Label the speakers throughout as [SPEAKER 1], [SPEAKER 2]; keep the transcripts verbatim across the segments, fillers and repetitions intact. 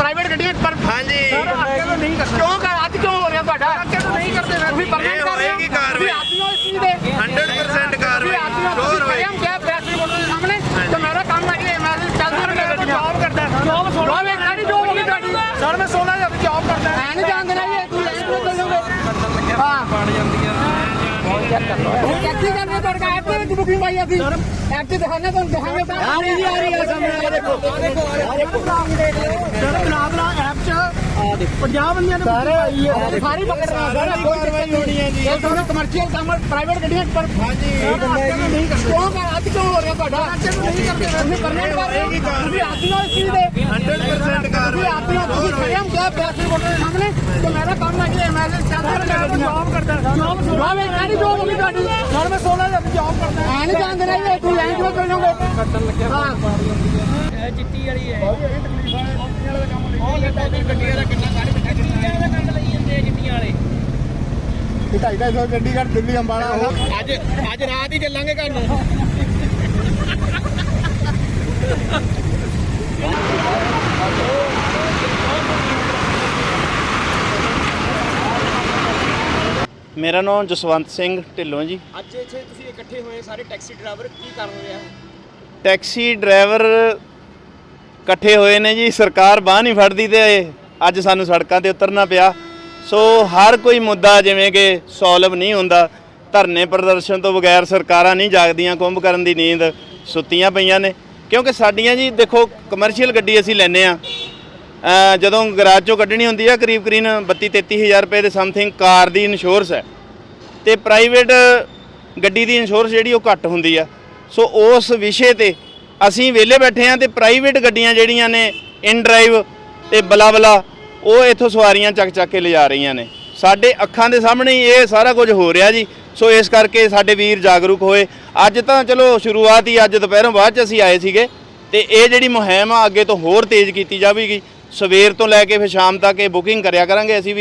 [SPEAKER 1] Private ਗੱਡੀਆਂ ਪਰ ਹਾਂਜੀ ਸਰ ਅੱਗੇ ਤੋਂ ਨਹੀਂ ਕਰਨਾ ਕਿਉਂ ਕਰ ਅੱਜ ਕਿਉਂ ਹੋ ਰਿਹਾ ਤੁਹਾਡਾ ਅੱਗੇ ਤੋਂ ਨਹੀਂ ਕਰਦੇ ਤੁਸੀਂ ਪਰਮਿਟ ਕਰ ਰਹੇ ਹੋ ਕੀ ਕਾਰਵਾਈ ਆਦਿਓ ਇਸ ਚੀਜ਼ ਦੇ
[SPEAKER 2] हंड्रेड परसेंट कारोबार
[SPEAKER 1] ਸ਼ੋਰ ਹੋਏ ਹਮ ਕਿਆ ਪ੍ਰੈਸ ਰਿਪੋਰਟਰ ਦੇ ਸਾਹਮਣੇ ਤੇ ਮੇਰਾ ਕੰਮ ਹੈ ਕਿ ਮੈਂ ਚੱਲਦਾ ਰਿਹਾ ਜੌਬ ਕਰਦਾ ਜੌਬ ਸੋਣਾ ਮੈਂ ਕਿਹੜੀ ਜੌਬ ਹੋਗੀ ਤੁਹਾਡੀ ਸਰ ਮੈਂ ਸੋਲਾਂ ਜੌਬ ਜੌਬ ਕਰਦਾ ਮੈਂ ਨਹੀਂ ਜਾਣ ਦੇਣਾ ਇਹ ਤੂੰ ਲਾਈਨ ਤੇ ਚੱਲ ਜਾਓਗੇ ਹਾਂ ਬਣ ਜਾਂਦੀਆਂ ਉਹ ਟੈਕਸੀ ਕਰਨੇ ਤੁਹਾਡਾ ਐਪ ਤੇ ਬੁਕਿੰਗ ਪਾਈ ਅਸੀਂ ਐਪ ਤੇ ਦਿਖਾਣੇ ਤੁਹਾਨੂੰ ਦਿਖਾਣੇ ਆ ਰਹੀ ਆ ਰਹੀ ਹੈ ਸਾਹਮਣੇ ਆ ਦੇਖੋ ਆ ਦੇਖੋ ਸਰ ਬਣਾ ਬਣਾ ਐਪ ਚ ਆ ਦੇਖੋ ਪੰਜਾਹ ਬੰਦਿਆਂ ਨੇ ਸਾਰੇ ਆਈ ਹੈ ਸਾਰੀ ਪਕੜ ਰਹਾ ਸਰ ਕੋਈ ਕਾਰਵਾਈ ਹੋਣੀ ਹੈ ਜੀ ਇਹ ਦੋਨੋਂ ਕਮਰਸ਼ੀਅਲ ਕੰਮ ਪ੍ਰਾਈਵੇਟ ਗੱਡੀਆਂ ਪਰ ਹਾਂਜੀ ਨਹੀਂ ਕਰਦੇ ਕਿਉਂ ਕਰ ਅੱਜ ਕਿਉਂ ਹੋ ਰਿਹਾ ਤੁਹਾਡਾ ਨਹੀਂ ਕਰਦੇ ਤੁਸੀਂ ਪਰਮਿਟ ਕਰ ਰਹੇ ਹੋ ਤੁਸੀਂ ਆਦਿਓ ਇਸ ਚੀਜ਼ ਦੇ
[SPEAKER 2] हंड्रेड परसेंट
[SPEAKER 1] ਤੁਸੀਂ ਆਦਿਓ ਤੁਸੀਂ ਖੜੇ ਹਮ ਕਿਆ ਪ੍ਰੈਸ ਰਿਪੋਰਟਰ ਦੇ ਸਾਹਮਣੇ ਤੇ ਮੇਰਾ ਕੰਮ ਹੈ ਕਿ ਐਮਐਲਏ ਚੱਲਦਾ ਰਿਹਾ ਜੌਬ ਕਰਦਾ ਜੌਬ ਜੌਬ ਹੈ ਕਿਹੜੀ ਜੌਬ ਹੋਗੀ ਤੁਹਾਡੀ ਸਰ ਮੈਂ ਸੋਲਾਂ ਜੌਬ ਜੌਬ ਕਰਦਾ ਐ ਨਹੀਂ ਜਾਣ ਦੇਣਾ ਇਹ ਤੂੰ ਲਾਈਨ ਤੇ ਚੱਲ ਜਾਓਗੇ ਕੱਟਣ ਲੱਗਿਆ ਹਾਂ ਇਹ ਚਿੱਟੀ ਵਾਲੀ ਹੈ ਉਹ ਗੱਡੀਆਂ ਦਾ ਗੱਡੀਆਂ ਦਾ ਕਿੰਨਾ ਗਾੜੀ ਬਿਠਾ ਗੱਡੀਆਂ ਦਾ ਕੰਡ ਲਈ ਜਾਂਦੇ ਚਿੱਟੀਆਂ ਵਾਲੇ ਢਾਈ ਢਾਈ ਸੌ ਚੰਡੀਗੜ੍ਹ ਦਿੱਲੀ ਅੰਬਾਲਾ ਅੱਜ ਅੱਜ ਰਾਤ ਹੀ ਚੱਲਾਂਗੇ ਘਰ ਨੂੰ
[SPEAKER 3] ਮੇਰਾ ਨਾਮ ਜਸਵੰਤ ਸਿੰਘ ਢਿੱਲੋਂ ਜੀ।
[SPEAKER 1] ਅੱਜ ਇੱਥੇ ਤੁਸੀਂ ਇਕੱਠੇ ਹੋਏ ਸਾਰੇ ਟੈਕਸੀ ਡਰਾਈਵਰ ਕੀ ਕਰ ਰਹੇ ਆ?
[SPEAKER 3] ਟੈਕਸੀ ਡਰਾਈਵਰ ਇਕੱਠੇ ਹੋਏ ਨੇ ਜੀ, ਸਰਕਾਰ ਬਾਂਹ ਨਹੀਂ ਫੜਦੀ ਤੇ ਅੱਜ ਸਾਨੂੰ ਸੜਕਾਂ ਤੇ ਉਤਰਨਾ ਪਿਆ। ਸੋ ਹਰ ਕੋਈ ਮੁੱਦਾ ਜਿਵੇਂ ਕਿ ਸੋਲਵ ਨਹੀਂ ਹੁੰਦਾ, ਧਰਨੇ ਪ੍ਰਦਰਸ਼ਨ ਤੋਂ ਬਗੈਰ ਸਰਕਾਰਾਂ ਨਹੀਂ ਜਾਗਦੀਆਂ, ਕੁੰਭ ਕਰਨ ਦੀ ਨੀਂਦ ਸੁੱਤੀਆਂ ਪਈਆਂ ਨੇ। ਕਿਉਂਕਿ ਸਾਡੀਆਂ ਜੀ ਦੇਖੋ ਕਮਰਸ਼ੀਅਲ ਗੱਡੀ ਅਸੀਂ ਲੈਂਦੇ ਹਾਂ, ਜਦੋਂ ਗਰਾਜ ਚੋਂ ਕੱਢਣੀ ਹੁੰਦੀ ਆ ਕਰੀਬ ਕਰੀਬ ਬੱਤੀ ਤੇਤੀ ਹਜ਼ਾਰ ਰੁਪਏ ਦੇ ਸਮਥਿੰਗ ਕਾਰ ਦੀ ਇੰਸ਼ੋਰੈਂਸ ਹੈ ਅਤੇ ਪ੍ਰਾਈਵੇਟ ਗੱਡੀ ਦੀ ਇੰਸ਼ੋਰੈਂਸ ਜਿਹੜੀ ਉਹ ਘੱਟ ਹੁੰਦੀ ਆ। ਸੋ ਉਸ ਵਿਸ਼ੇ 'ਤੇ ਅਸੀਂ ਵਿਹਲੇ ਬੈਠੇ ਹਾਂ ਅਤੇ ਪ੍ਰਾਈਵੇਟ ਗੱਡੀਆਂ ਜਿਹੜੀਆਂ ਨੇ ਇਨ ਡਰਾਈਵ ਅਤੇ ਬਲਾ ਬਲਾ ਉਹ ਇੱਥੋਂ ਸਵਾਰੀਆਂ ਚੱਕ ਚੱਕ ਕੇ ਲਿਜਾ ਰਹੀਆਂ ਨੇ। ਸਾਡੇ ਅੱਖਾਂ ਦੇ ਸਾਹਮਣੇ ਹੀ ਇਹ ਸਾਰਾ ਕੁਝ ਹੋ ਰਿਹਾ ਜੀ। ਸੋ ਇਸ ਕਰਕੇ ਸਾਡੇ ਵੀਰ ਜਾਗਰੂਕ ਹੋਏ। ਅੱਜ ਤਾਂ ਚਲੋ ਸ਼ੁਰੂਆਤ ਹੀ ਅੱਜ ਦੁਪਹਿਰੋਂ ਬਾਅਦ 'ਚ ਅਸੀਂ ਆਏ ਸੀਗੇ ਅਤੇ ਇਹ ਜਿਹੜੀ ਮੁਹਿੰਮ ਆ ਅੱਗੇ ਤੋਂ ਹੋਰ ਤੇਜ਼ ਕੀਤੀ ਜਾਵੇਗੀ। ਸਵੇਰ ਤੋਂ ਲੈ ਕੇ ਫਿਰ ਸ਼ਾਮ ਤੱਕ ਇਹ ਬੁਕਿੰਗ ਕਰਿਆ ਕਰਾਂਗੇ ਅਸੀਂ ਵੀ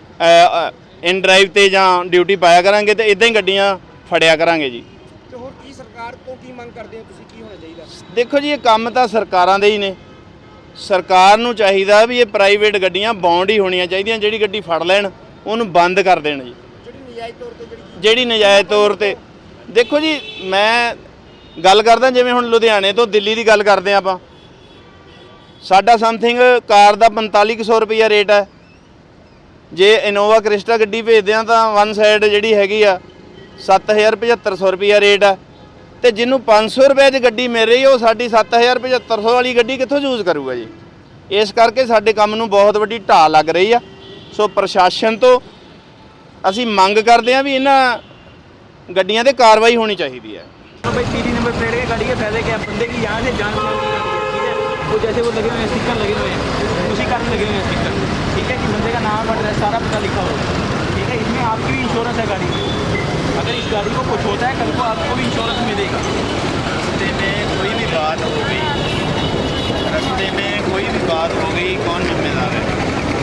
[SPEAKER 3] ਇਨ ਡਰਾਈਵ 'ਤੇ ਜਾਂ ਡਿਊਟੀ ਪਾਇਆ ਕਰਾਂਗੇ ਅਤੇ ਇੱਦਾਂ ਹੀ ਗੱਡੀਆਂ ਫੜਿਆ ਕਰਾਂਗੇ ਜੀ।
[SPEAKER 1] ਤੇ ਹੋਰ ਕੀ ਸਰਕਾਰ ਤੋਂ ਕੀ ਮੰਗ ਕਰਦੇ ਹੋ ਤੁਸੀਂ, ਕੀ ਹੋਣਾ ਚਾਹੀਦਾ?
[SPEAKER 3] ਦੇਖੋ ਜੀ ਇਹ ਕੰਮ ਤਾਂ ਸਰਕਾਰਾਂ ਦੇ ਹੀ ਨੇ। ਸਰਕਾਰ ਨੂੰ ਚਾਹੀਦਾ ਵੀ ਇਹ ਪ੍ਰਾਈਵੇਟ ਗੱਡੀਆਂ ਬੌਂਡ ਹੀ ਹੋਣੀਆਂ ਚਾਹੀਦੀਆਂ, ਜਿਹੜੀ ਗੱਡੀ ਫੜ ਲੈਣ ਉਹਨੂੰ ਬੰਦ ਕਰ ਦੇਣ ਜੀ।
[SPEAKER 1] ਜਿਹੜੀ ਨਜਾਇਜ਼ ਤੌਰ ਤੇ ਜਿਹੜੀ
[SPEAKER 3] ਜਿਹੜੀ ਨਜਾਇਜ਼ ਤੌਰ 'ਤੇ ਦੇਖੋ ਜੀ ਮੈਂ ਗੱਲ ਕਰਦਾ ਜਿਵੇਂ ਹੁਣ ਲੁਧਿਆਣੇ ਤੋਂ ਦਿੱਲੀ ਦੀ ਗੱਲ ਕਰਦੇ ਹਾਂ ਆਪਾਂ, ਸਾਡਾ ਸਮਥਿੰਗ ਕਾਰ ਦਾ ਪੰਤਾਲੀ ਕੁ ਸੌ ਰੁਪਈਆ ਰੇਟ ਹੈ। ਜੇ ਇਨੋਵਾ ਕ੍ਰਿਸਟਾ ਗੱਡੀ ਭੇਜਦੇ ਹਾਂ ਤਾਂ ਵਨ ਸਾਈਡ ਜਿਹੜੀ ਹੈਗੀ ਆ ਸੱਤ ਹਜ਼ਾਰ ਪਝੱਤਰ ਸੌ ਰੁਪਈਆ ਰੇਟ ਹੈ। ਅਤੇ ਜਿਹਨੂੰ ਪੰਜ ਸੌ ਰੁਪਏ 'ਚ ਗੱਡੀ ਮਿਲ ਰਹੀ ਉਹ ਸਾਡੀ ਸੱਤ ਹਜ਼ਾਰ ਪਝੱਤਰ ਸੌ ਵਾਲੀ ਗੱਡੀ ਕਿੱਥੋਂ ਯੂਜ਼ ਕਰੂਗਾ ਜੀ। ਇਸ ਕਰਕੇ ਸਾਡੇ ਕੰਮ ਨੂੰ ਬਹੁਤ ਵੱਡੀ ਢਾਹ ਲੱਗ ਰਹੀ ਆ। ਸੋ ਪ੍ਰਸ਼ਾਸਨ ਤੋਂ ਅਸੀਂ ਮੰਗ ਕਰਦੇ ਹਾਂ ਵੀ ਇਹਨਾਂ ਗੱਡੀਆਂ 'ਤੇ ਕਾਰਵਾਈ ਹੋਣੀ ਚਾਹੀਦੀ ਹੈ।
[SPEAKER 4] भाई तीन नंबर प्लेट के गाड़ी के पहले क्या बंदे की यहाँ से जान ठीक है, वो जैसे वो लगे हुए हैं स्टिकर लगे हुए हैं उसी कारण लगे हुए हैं स्टिकर, ठीक है कि बंदे का नाम एड्रेस सारा पता लिखा हो, ठीक है। इसमें आपकी भी इंश्योरेंस है गाड़ी की, अगर इस गाड़ी को कुछ होता है कल को आपको भी इंश्योरेंस मिलेगा।
[SPEAKER 3] रस्ते में कोई भी बात हो गई रस्ते में कोई भी बात हो गई कौन जिम्मेदार है?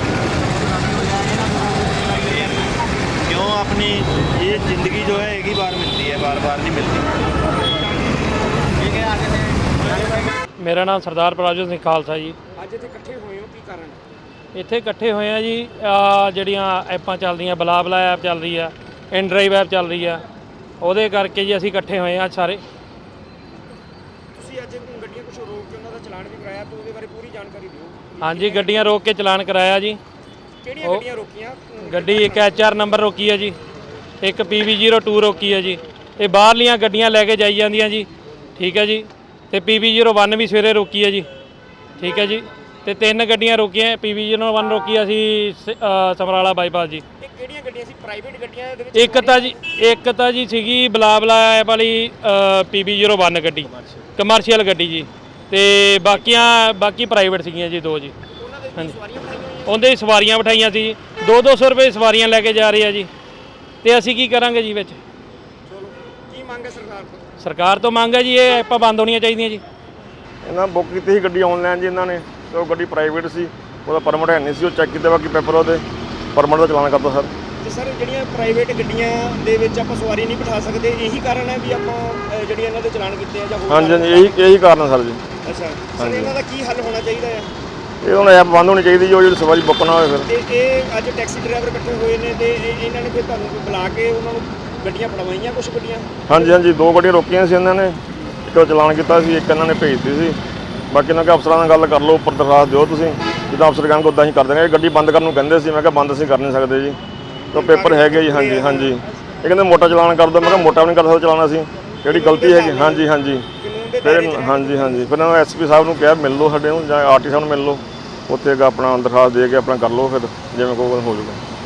[SPEAKER 3] क्यों अपनी ये ज़िंदगी जो है एक ही बार मिलती है, बार बार नहीं मिलती। ठीक है आगे से
[SPEAKER 5] ਮੇਰਾ ਨਾਮ ਸਰਦਾਰ ਪਰਾਜੋਤ ਸਿੰਘ ਖਾਲਸਾ ਜੀ।
[SPEAKER 1] ਅੱਜ ਇੱਥੇ ਇਕੱਠੇ ਹੋਏ ਹੋ, ਕੀ ਕਾਰਨ?
[SPEAKER 5] ਇੱਥੇ ਇਕੱਠੇ ਹੋਏ ਆ ਜੀ, ਆਹ ਜਿਹੜੀਆਂ ਐਪਾਂ ਚੱਲਦੀਆਂ, ਬਲਾ ਬਲਾ ਐਪ ਚੱਲ ਰਹੀ ਆ, ਇਨ ਡਰਾਈਵ ਐਪ ਚੱਲ ਰਹੀ ਆ, ਉਹਦੇ ਕਰਕੇ ਜੀ ਅਸੀਂ ਇਕੱਠੇ ਹੋਏ ਆ ਸਾਰੇ।
[SPEAKER 1] ਤੁਸੀਂ ਅੱਜ ਗੱਡੀਆਂ ਕੁਝ ਰੋਕ ਕੇ ਉਹਨਾਂ ਦਾ ਚਲਾਨ ਵੀ ਕਰਾਇਆ, ਤਾਂ ਉਹਦੇ ਬਾਰੇ ਪੂਰੀ ਜਾਣਕਾਰੀ ਦਿਓ।
[SPEAKER 5] ਹਾਂਜੀ ਗੱਡੀਆਂ ਰੋਕ ਕੇ ਚਲਾਨ ਕਰਾਇਆ ਜੀ।
[SPEAKER 1] ਕਿਹੜੀਆਂ ਗੱਡੀਆਂ ਰੋਕੀਆਂ?
[SPEAKER 5] ਗੱਡੀ ਇੱਕ ਐਚ ਆਰ ਨੰਬਰ ਰੋਕੀ ਹੈ ਜੀ, ਇੱਕ ਪੀ ਵੀ ਜ਼ੀਰੋ ਟੂ ਰੋਕੀ ਹੈ ਜੀ। ਇਹ ਬਾਹਰਲੀਆਂ ਗੱਡੀਆਂ ਲੈ ਕੇ ਜਾਈ ਜਾਂਦੀਆਂ ਜੀ, ਠੀਕ ਹੈ ਜੀ। ਅਤੇ ਪੀ ਵੀ ਜ਼ੀਰੋ ਵਨ ਵੀ ਸਵੇਰੇ ਰੋਕੀ ਹੈ ਜੀ, ਠੀਕ ਹੈ ਜੀ। ਅਤੇ ਤਿੰਨ ਗੱਡੀਆਂ ਰੋਕੀਆਂ, ਪੀ ਵੀ ਜ਼ੀਰੋ ਵਨ ਰੋਕੀ ਅਸੀਂ ਸਮਰਾਲਾ ਬਾਈਪਾਸ ਜੀ।
[SPEAKER 1] ਇਹ ਕਿਹੜੀਆਂ ਗੱਡੀਆਂ ਸੀ? ਪ੍ਰਾਈਵੇਟ ਗੱਡੀਆਂ ਦੇ ਵਿੱਚ?
[SPEAKER 5] ਇੱਕ ਤਾਂ ਜੀ ਇੱਕ ਤਾਂ ਜੀ ਸੀਗੀ ਬਲਾ ਬਲਾ ਐਪ ਵਾਲੀ ਪੀ ਵੀ ਜ਼ੀਰੋ ਵਨ ਗੱਡੀ, ਕਮਰਸ਼ੀਅਲ ਗੱਡੀ ਜੀ। ਅਤੇ ਬਾਕੀਆਂ ਬਾਕੀ ਪ੍ਰਾਈਵੇਟ ਸੀਗੀਆਂ ਜੀ ਦੋ ਜੀ। ਹਾਂਜੀ ਉਹਦੇ ਹੀ ਸਵਾਰੀਆਂ ਬਿਠਾਈਆਂ ਸੀ ਜੀ, ਦੋ ਦੋ ਸੌ ਰੁਪਏ ਸਵਾਰੀਆਂ ਲੈ ਕੇ ਜਾ ਰਹੇ ਆ ਜੀ। ਅਤੇ ਅਸੀਂ ਕੀ ਕਰਾਂਗੇ ਜੀ ਵਿੱਚ?
[SPEAKER 1] ਚਲੋ ਕੀ ਮੰਗ ਹੈ ਸਰਕਾਰ ਤੋਂ?
[SPEAKER 5] ਸਰਕਾਰ ਤੋਂ ਮੰਗ ਹੈ ਜੀ ਇਹ ਐਪਾਂ ਬੰਦ ਹੋਣੀਆਂ ਚਾਹੀਦੀਆਂ ਜੀ।
[SPEAKER 6] ਇਹਨਾਂ ਬੁੱਕ ਕੀਤੀ ਸੀ ਗੱਡੀ ਆਨਲਾਈਨ ਜੀ ਇਹਨਾਂ ਨੇ, ਤੇ ਉਹ ਗੱਡੀ ਪ੍ਰਾਈਵੇਟ ਸੀ, ਉਹਦਾ ਪਰਮਿਟ ਹੈ ਨਹੀਂ ਸੀ, ਉਹ ਚੈੱਕ ਕੀਤਾ ਬਾਕੀ ਪੇਪਰ ਉਹਦੇ ਪਰਮਿਟ ਦਾ ਚਲਾਨ ਕਰਤਾ ਸਰ।
[SPEAKER 1] ਤੇ ਸਰ ਜਿਹੜੀਆਂ ਪ੍ਰਾਈਵੇਟ ਗੱਡੀਆਂ ਦੇ ਵਿੱਚ ਆਪਾਂ ਸਵਾਰੀ ਨਹੀਂ ਬਿਠਾ ਸਕਦੇ, ਇਹੀ ਕਾਰਨ ਹੈ ਵੀ ਆਪਾਂ ਜਿਹੜੀਆਂ ਇਹਨਾਂ ਦੇ ਚਲਾਨ ਕੀਤੇ ਆ ਜਾਂ ਹੋਰ?
[SPEAKER 6] ਹਾਂਜੀ ਹਾਂਜੀ ਇਹੀ ਇਹੀ ਕਾਰਨ ਹੈ ਸਰ ਜੀ।
[SPEAKER 1] ਅੱਛਾ ਸਰ, ਇਹਨਾਂ ਦਾ ਕੀ ਹੱਲ ਹੋਣਾ ਚਾਹੀਦਾ ਹੈ?
[SPEAKER 6] ਇਹ ਹੁਣ ਐਪ ਬੰਦ ਹੋਣੀ ਚਾਹੀਦੀ ਜੀ, ਉਹ ਜਿਹੜੀ ਸਵਾਰੀ ਬੁੱਕ ਨਾ ਹੋਵੇ ਫਿਰ।
[SPEAKER 7] ਤੇ ਇਹ ਅੱਜ ਟੈਕਸੀ ਡਰਾਈਵਰ ਇਕੱਠੇ ਹੋਏ ਨੇ ਤੇ ਇਹ- ਇਹਨਾਂ ਨੇ ਫਿਰ ਤੁਹਾਨੂੰ ਬੁਲਾ ਕੇ ਉਹਨਾਂ ਨੂੰ ਗੱਡੀਆਂ ਫੜਵਾਈਆਂ ਕੁਝ ਗੱਡੀਆਂ?
[SPEAKER 6] ਹਾਂਜੀ ਹਾਂਜੀ, ਦੋ ਗੱਡੀਆਂ ਰੋਕੀਆਂ ਸੀ ਇਹਨਾਂ ਨੇ, ਇੱਕ ਦਾ ਚਲਾਨ ਕੀਤਾ ਸੀ, ਇੱਕ ਇਹਨਾਂ ਨੇ ਭੇਜਤੀ ਸੀ। ਬਾਕੀ ਇਹਨਾਂ ਕਿ ਅਫਸਰਾਂ ਨਾਲ ਗੱਲ ਕਰ ਲਓ, ਉੱਪਰ ਦਰਖਾਸਤ ਦਿਓ ਤੁਸੀਂ, ਜਿੱਦਾਂ ਅਫਸਰ ਕਹਿਣਗੇ ਉੱਦਾਂ ਹੀ ਕਰ ਦੇਣਗੇ। ਇਹ ਗੱਡੀ ਬੰਦ ਕਰਨ ਨੂੰ ਕਹਿੰਦੇ ਸੀ, ਮੈਂ ਕਿਹਾ ਬੰਦ ਅਸੀਂ ਕਰ ਨਹੀਂ ਸਕਦੇ ਜੀ, ਤਾਂ ਪੇਪਰ ਹੈਗੇ ਜੀ। ਹਾਂਜੀ ਹਾਂਜੀ, ਇਹ ਕਹਿੰਦੇ ਮੋਟਾ ਚਲਾਨ ਕਰ ਦਿਓ, ਮੈਂ ਕਿਹਾ ਮੋਟਾ ਵੀ ਨਹੀਂ ਕਰ ਸਕਦਾ ਚਲਾਉਣਾ ਸੀ, ਜਿਹੜੀ ਗਲਤੀ ਹੈਗੀ। ਹਾਂਜੀ ਹਾਂਜੀ, ਫਿਰ ਹਾਂਜੀ ਹਾਂਜੀ, ਫਿਰ ਇਹਨਾਂ ਨੂੰ ਐਸ ਪੀ ਸਾਹਿਬ ਨੂੰ ਕਿਹਾ ਮਿਲ ਲਓ ਸਾਡੇ ਨੂੰ, ਜਾਂ ਆਰ ਟੀ ਸਾਹਿਬ ਨੂੰ ਮਿਲ ਲਓ, ਉੱਥੇ ਆਪਣਾ ਦਰਖਾਸਤ ਦੇ ਕੇ ਆਪਣਾ ਕਰ ਲਓ, ਫਿਰ ਜਿਵੇਂ ਕੋਈ ਹੋ ਜਾਊਗਾ।